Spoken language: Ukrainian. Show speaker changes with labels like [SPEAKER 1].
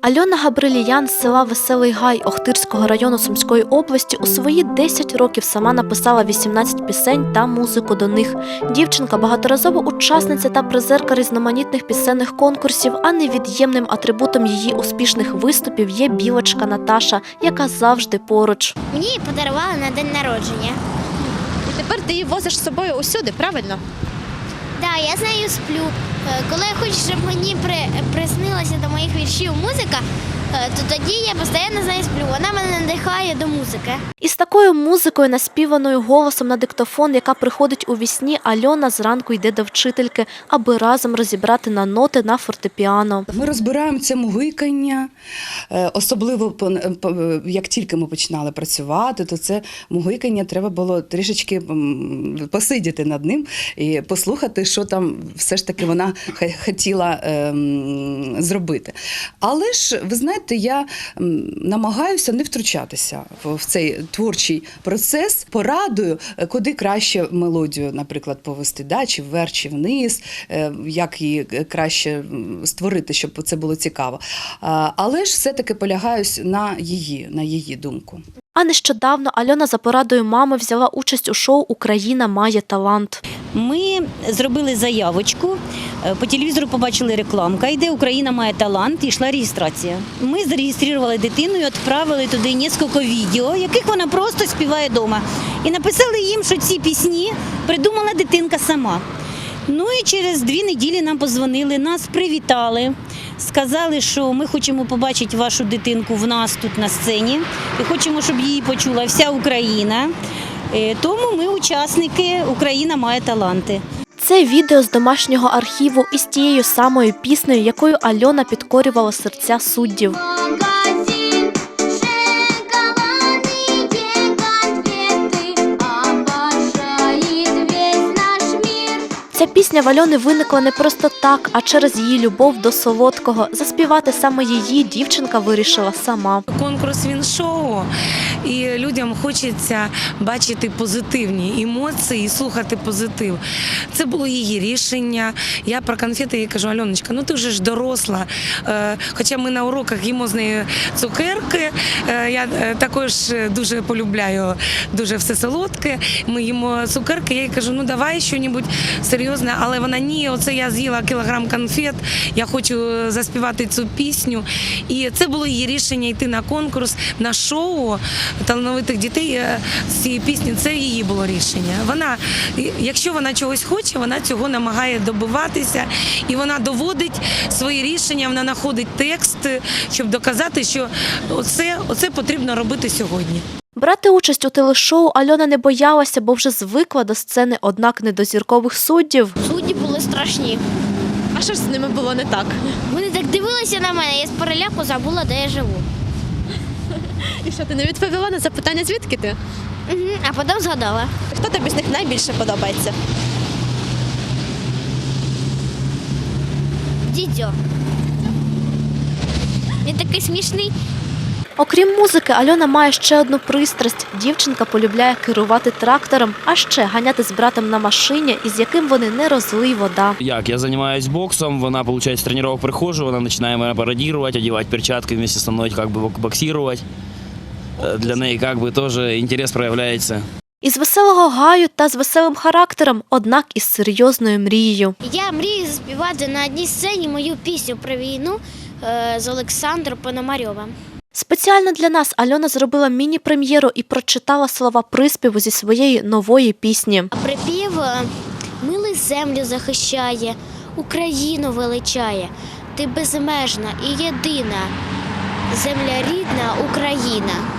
[SPEAKER 1] Альона Габриліян з села Веселий Гай Охтирського району Сумської області у свої 10 років сама написала 18 пісень та музику до них. Дівчинка – багаторазова учасниця та призерка різноманітних пісенних конкурсів, а невід'ємним атрибутом її успішних виступів є білочка Наташа, яка завжди поруч.
[SPEAKER 2] Мені її подарували на день народження.
[SPEAKER 3] І тепер ти її возиш з собою усюди, правильно?
[SPEAKER 2] Так, я з нею сплю. Коли я хочу, щоб мені приснилася до моїх віршів музика, то тоді я постійно з нею сплю. Вона мене надихає до музики.
[SPEAKER 1] Із такою музикою, наспіваною голосом на диктофон, яка приходить у вісні, Альона зранку йде до вчительки, аби разом розібрати на ноти на фортепіано.
[SPEAKER 4] Ми розбираємо це мугикання, особливо як тільки ми починали працювати, то це мугикання треба було трішечки посидіти над ним і послухати, що там все ж таки вона хотіла зробити. Але ж, ви знаєте, я намагаюся не втручатися в цей творчий процес, порадую, куди краще мелодію, наприклад, повести, чи вверх, чи вниз, як її краще створити, щоб це було цікаво. Але ж все-таки полягаюсь на її думку.
[SPEAKER 1] А нещодавно Альона за порадою мами взяла участь у шоу «Україна має талант».
[SPEAKER 5] Ми зробили заявочку, по телевізору побачили рекламка, йде «Україна має талант», і йшла реєстрація. Ми зареєстрували дитину і відправили туди кілька відео, яких вона просто співає вдома. І написали їм, що ці пісні придумала дитинка сама. Ну і через 2 неділі нам подзвонили, нас привітали, сказали, що ми хочемо побачити вашу дитинку в нас тут на сцені і хочемо, щоб її почула вся Україна. Тому ми учасники «Україна має таланти».
[SPEAKER 1] Це відео з домашнього архіву із тією самою піснею, якою Альона підкорювала серця суддів. Ця пісня в Альони виникла не просто так, а через її любов до солодкого. Заспівати саме її дівчинка вирішила сама.
[SPEAKER 6] Конкурс він шоу, і людям хочеться бачити позитивні емоції і слухати позитив. Це було її рішення. Я про конфети їй кажу: Альоночка, ну ти вже ж доросла. Хоча ми на уроках їмо з нею цукерки. Я також дуже полюбляю дуже все солодке. Ми їмо цукерки. Я їй кажу: ну давай щось серйозне. Але вона: ні, оце я з'їла кілограм конфет, я хочу заспівати цю пісню. І це було її рішення йти на конкурс, на шоу талановитих дітей з цієї пісні. Це її було рішення. Вона, якщо вона чогось хоче, вона цього намагає добиватися. І вона доводить свої рішення, вона знаходить текст, щоб доказати, що оце потрібно робити сьогодні.
[SPEAKER 1] Брати участь у телешоу Альона не боялася, бо вже звикла до сцени, однак не до зіркових суддів.
[SPEAKER 2] Судді були страшні.
[SPEAKER 3] А що ж з ними було не так?
[SPEAKER 2] Вони так дивилися на мене, я з переляку забула, де я живу.
[SPEAKER 3] І що, ти не відповіла на запитання, звідки ти?
[SPEAKER 2] А потім згадала.
[SPEAKER 3] Хто тобі з них найбільше подобається?
[SPEAKER 2] Дідьо. Він такий смішний.
[SPEAKER 1] Окрім музики, Альона має ще одну пристрасть. Дівчинка полюбляє керувати трактором, а ще ганяти з братом на машині, із яким вони не розлий вода.
[SPEAKER 7] Я займаюся боксом, вона, виходить, з тренувань приходжу, вона починає мене пародувати, одягати перчатки, вместе зі мною боксувати. Для неї теж інтерес проявляється.
[SPEAKER 1] Із веселого гаю та з веселим характером, однак із серйозною мрією.
[SPEAKER 2] Я мрію заспівати на одній сцені мою пісню про війну з Олександром Пономарьовим.
[SPEAKER 1] Спеціально для нас Альона зробила міні-прем'єру і прочитала слова приспіву зі своєї нової пісні.
[SPEAKER 2] Припів: «Милий землю захищає, Україну величає, ти безмежна і єдина, земля рідна Україна».